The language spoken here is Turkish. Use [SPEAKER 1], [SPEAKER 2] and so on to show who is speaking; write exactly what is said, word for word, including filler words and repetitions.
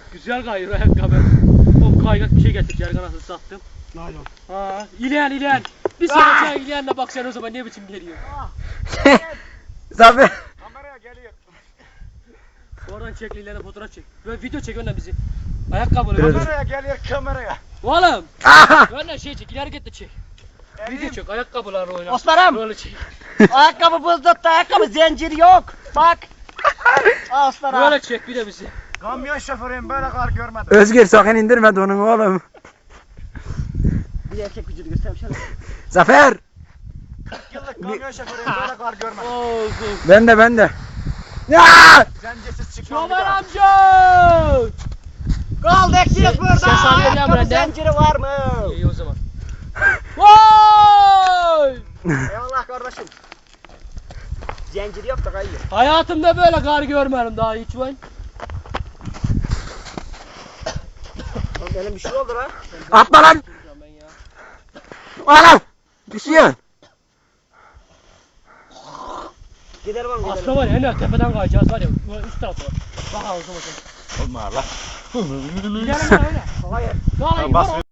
[SPEAKER 1] Güzel kayıyor ayakkabı. O kaynak bir şey getir. Yergan nasıl sattım.
[SPEAKER 2] Naylon.
[SPEAKER 1] Ha, İlhan İlhan. Bir sonra sen İlhan'la bak sen o zaman ne biçim geliyor.
[SPEAKER 3] Zafer.
[SPEAKER 2] Kameraya geliyor.
[SPEAKER 1] Oradan çek İlhan'a fotoğraf çek. Böyle video çek önden bizi. Ayakkabılı.
[SPEAKER 2] Kameraya geliyor kameraya.
[SPEAKER 1] Oğlum.
[SPEAKER 3] Aha.
[SPEAKER 1] Önden şey çek. İleri git de çek.
[SPEAKER 2] Elim.
[SPEAKER 1] Video çek. Ayakkabılarla oyna.
[SPEAKER 4] Osman'ım.
[SPEAKER 1] Böyle çek.
[SPEAKER 4] Ayakkabı buzlukta, ayakkabı zincir yok. Bak. Al Osman'ım.
[SPEAKER 1] Böyle çek bir de bizi.
[SPEAKER 2] Kamyon şoförüyüm böyle kar görmedim.
[SPEAKER 3] Özgür sakın indirme donunu oğlum.
[SPEAKER 4] Bir erkek vücudu göstermişler.
[SPEAKER 3] Zafer.
[SPEAKER 2] kırk yıllık kamyon şoförüyüm böyle kar görmedim.
[SPEAKER 1] Olsun.
[SPEAKER 3] Ben de ben de. Ya!
[SPEAKER 2] Zencesiz çıkıyorum bir
[SPEAKER 1] Çoban
[SPEAKER 2] daha.
[SPEAKER 1] amca.
[SPEAKER 4] Kaldı eksiyiz burada.
[SPEAKER 1] sen saniye ne
[SPEAKER 4] Ayakkabı
[SPEAKER 1] yapıyorsun
[SPEAKER 4] zinciri var mı?
[SPEAKER 1] İyi o zaman. Vay!
[SPEAKER 4] Eyvallah kardeşim. Zincir yok da kayıyor.
[SPEAKER 1] Hayatımda böyle kar görmedim daha hiç ben.
[SPEAKER 4] Oğlum benim bir şey oldu lan.
[SPEAKER 3] Atma lan.
[SPEAKER 1] Ben ya.
[SPEAKER 3] Oğlum. Düşüyor.
[SPEAKER 4] Giderim oğlum giderim.
[SPEAKER 1] Aslında var ya en tepeden kayacağız var ya. Böyle üst tarafa. Bak ağzıma bak.
[SPEAKER 2] Olma Allah.
[SPEAKER 1] Gidelim ya öyle.
[SPEAKER 4] Hayır.
[SPEAKER 1] Vallahi
[SPEAKER 2] Bas.
[SPEAKER 1] yukarı-